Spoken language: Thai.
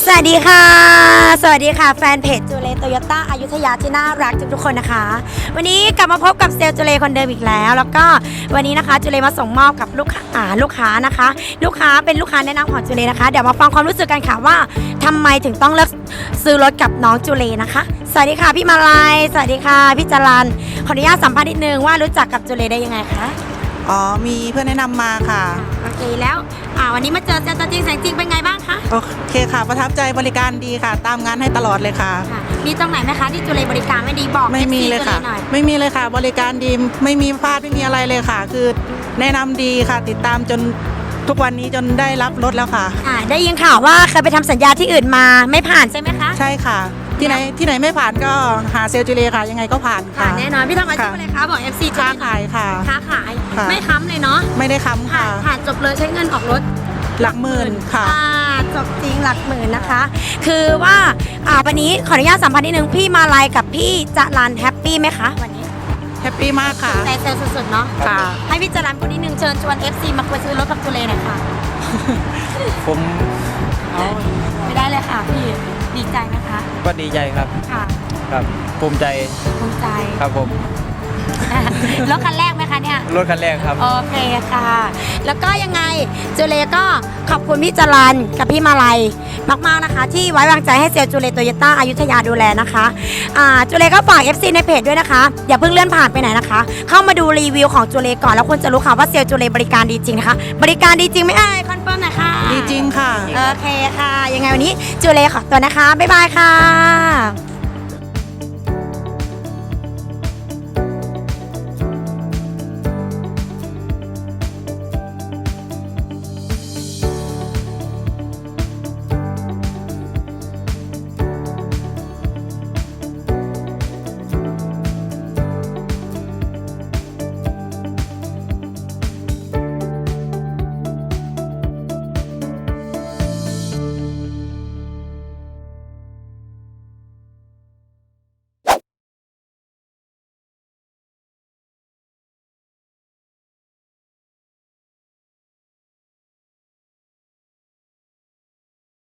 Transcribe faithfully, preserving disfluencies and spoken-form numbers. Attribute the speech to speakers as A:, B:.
A: สวัสดีค่ะสวัสดีค่ะแฟนเพจจูเลโตโยต้าอยุธยาที่น่ารักทุกๆคนนะคะวันนี้กลับมาพบกับเซลล์จูเลคนเดิมอีกแล้วแล้วก็วันนี้นะคะจูเลมาส่งมอบกับลูกค้าอ่าลูกค้านะคะ ลูกค้าเป็นลูกค้าแนะนำของจูเลนะคะเดี๋ยวมาฟังความรู้สึกกันค่ะว่าทำไมถึงต้องเลือกซื้อรถกับน้องจูเลนะคะสวัสดีค่ะพี่มาลัยสวัสดีค่ะพี่จรัญขออนุญาตสัมภาษณ์นิดนึงว่ารู้จักกับจูเลได้ยังไงคะ
B: อ๋อมีเพื่อนแนะนำมาค่ะ
A: โอเคแล้วอ่าวันนี้มาเจอเจอตัวจริงแสงจริงเป็นไงบ้างคะ
B: โอเคค่ะประทับใจบริการดีค่ะตามงานให้ตลอดเลยค่ะ
A: มีตรงไหนไหมคะที่จุเลบริการไม่ดีบอก
B: ไม่มีเลยค่ะไม่มีเลยค่ะบริการดีไม่มีพลาดไม่มีอะไรเลยค่ะคือแนะนำดีค่ะติดตามจนทุกวันนี้จนได้รับรถแล้วค่ะ
A: อ่าได้ยินข่าวว่าเคยไปทำสัญญาที่อื่นมาไม่ผ่านใช่ไหมคะ
B: ใช่ค่ะที่ไหนที่ไหนไม่ผ่านก็หาเซลล์จูเลค่ะยังไงก็ผ่านค่ะ
A: แน่นอนพี่ทำอาชีพอะไรคะบอก เอฟ ซี
B: ค้าขายค่ะ
A: ค้าขายไม่ค้ำเลยเนาะ
B: ไม่ได้ค้ำค่ะ
A: ผ่านจบเลยใช้เงินออกรถ
B: หลักหมื่นค่ะ
A: จบจริงหลักหมื่นนะคะคือว่าอ่าวันนี้ขออนุญาตสัมภาษณ์นิดนึงพี่มาลัยกับพี่จรัญแฮปปี้ไหมคะวันนี้
B: แฮปปี้มากค่ะ
A: แต่เซลสุดๆเนาะ
B: ค่ะ
A: ให้พี่จรัญพูดนิดนึงเชิญชวน เอฟ ซี มาคุยซื้อรถกับจูเลหน่อยค่ะ
C: ผม
A: เอาไม่ได้เลยค่ะพี่ดีใจไหมคะ
C: ก็ดีใจครับ
A: ค่ะ
C: ครับภูมิใจ
A: ภูมิใจ
C: ครับผม
A: รถคันแรกไหมคะเนี่ย
C: รถคันแรกครับ
A: โอเคค่ะแล้วก็ยังไงจูเลก็ขอบคุณพี่จรัญกับพี่มาลัยมากๆนะคะที่ไว้วางใจให้เซลล์จูเลโตโยต้าอยุธยาดูแลนะคะอ่าจูเลก็ฝาก เอฟ ซี ในเพจด้วยนะคะอย่าเพิ่งเลื่อนผ่านไปไหนนะคะเข้ามาดูรีวิวของจูเลก่อนแล้วคุณจะรู้ค่ะว่าเซลล์จูเลบริการดีจริงนะคะบริการดีจริงไหมเอ่ยคอนเฟิร์มหน่อยค่ะ
B: ดีจริงค่ะ
A: โอเคค่ะยังไงวันนี้จูเลขอตัวนะคะบ๊ายบายค่ะ